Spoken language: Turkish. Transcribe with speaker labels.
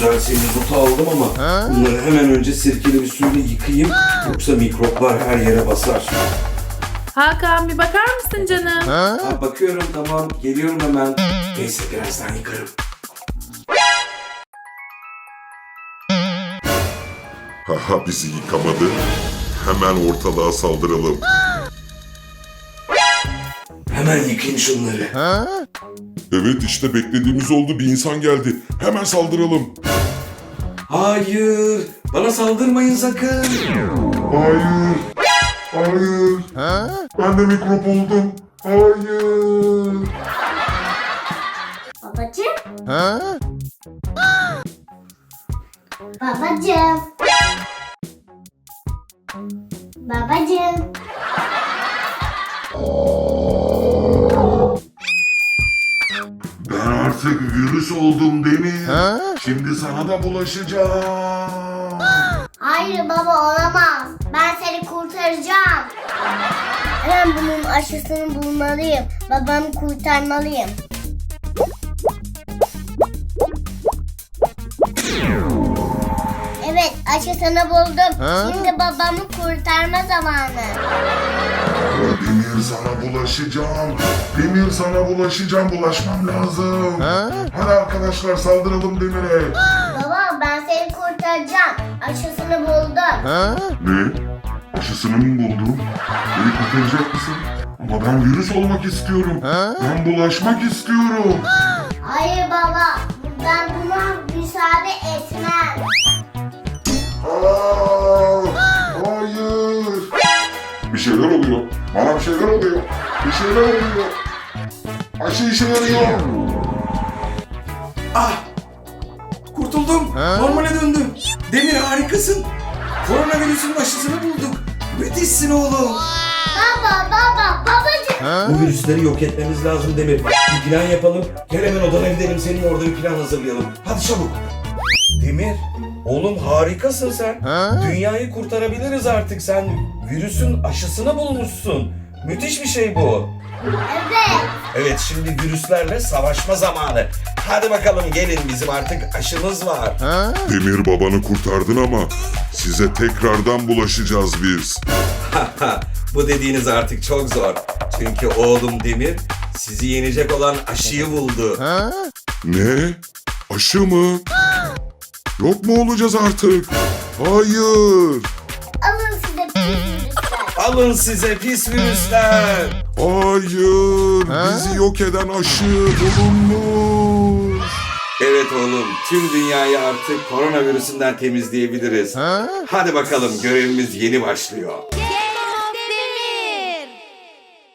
Speaker 1: güzel semizotu aldım ama bunları hemen önce sirkeli bir suyla yıkayayım. Yoksa mikroplar her yere basar.
Speaker 2: Hakan bir bakar mısın canım?
Speaker 1: Ha, bakıyorum, tamam, geliyorum hemen. Neyse, birazdan yıkarım.
Speaker 3: Haha, bizi yıkamadı. Hemen ortalığa saldıralım.
Speaker 1: Hemen yıkayın şunları.
Speaker 3: Evet, işte beklediğimiz oldu. Bir insan geldi. Hemen saldıralım.
Speaker 1: Hayır, bana saldırmayın sakın.
Speaker 3: Hayır. Hayır. Ben de mikrop oldum. Hayır.
Speaker 4: Babacığım. Babacığım. Babacığım.
Speaker 3: Ben artık virüs oldum Demir. Şimdi sana da bulaşacağım.
Speaker 4: Hayır baba, olamaz. Ben seni kurtaracağım. Hemen bunun aşısını bulmalıyım. Babamı kurtarmalıyım. Evet, aşısını buldum. Şimdi babamı kurtarma zamanı.
Speaker 3: Demir, sana bulaşacağım. Demir, sana bulaşacağım. Bulaşmam lazım. Hadi arkadaşlar, saldıralım Demir'e.
Speaker 4: Baba, ben seni kurtaracağım. Aşısını buldum.
Speaker 3: Ne? Aşısını mı buldun? Beni kurtaracak mısın? Ama ben virüs olmak istiyorum. Ben bulaşmak istiyorum.
Speaker 4: Hayır baba, ben buna müsaade etmem.
Speaker 3: Aa, hayır. Bir şeyler oluyor. Bana bir şeyler oluyor. Bir şeyler oluyor. Aşı işe yarıyor.
Speaker 1: Ah! Kurtuldum. Normale döndüm. Demir, harikasın. Koronavirüsün aşısını bulduk. Müthişsin oğlum.
Speaker 4: Babacığım.
Speaker 1: Bu virüsleri yok etmemiz lazım Demir. Bir plan yapalım. Gel hemen odana gidelim. Senin orada bir plan hazırlayalım. Hadi çabuk. Demir, oğlum harikasın sen. Dünyayı kurtarabiliriz artık. Sen virüsün aşısını bulmuşsun. Müthiş bir şey bu.
Speaker 4: Evet.
Speaker 1: Evet, şimdi virüslerle savaşma zamanı. Hadi bakalım gelin, bizim artık aşımız var.
Speaker 3: Demir, babanı kurtardın ama size tekrardan bulaşacağız biz.
Speaker 1: Bu dediğiniz artık çok zor. Çünkü oğlum Demir sizi yenecek olan aşıyı buldu.
Speaker 3: Ne? Aşı mı? Yok mu olacağız artık? Hayır.
Speaker 4: Alın size pis virüsler.
Speaker 1: Alın size pis virüsler.
Speaker 3: Hayır. Bizi yok eden aşı bulunmuş.
Speaker 1: Evet oğlum, tüm dünyayı artık koronavirüsünden temizleyebiliriz. Hadi bakalım, görevimiz yeni başlıyor.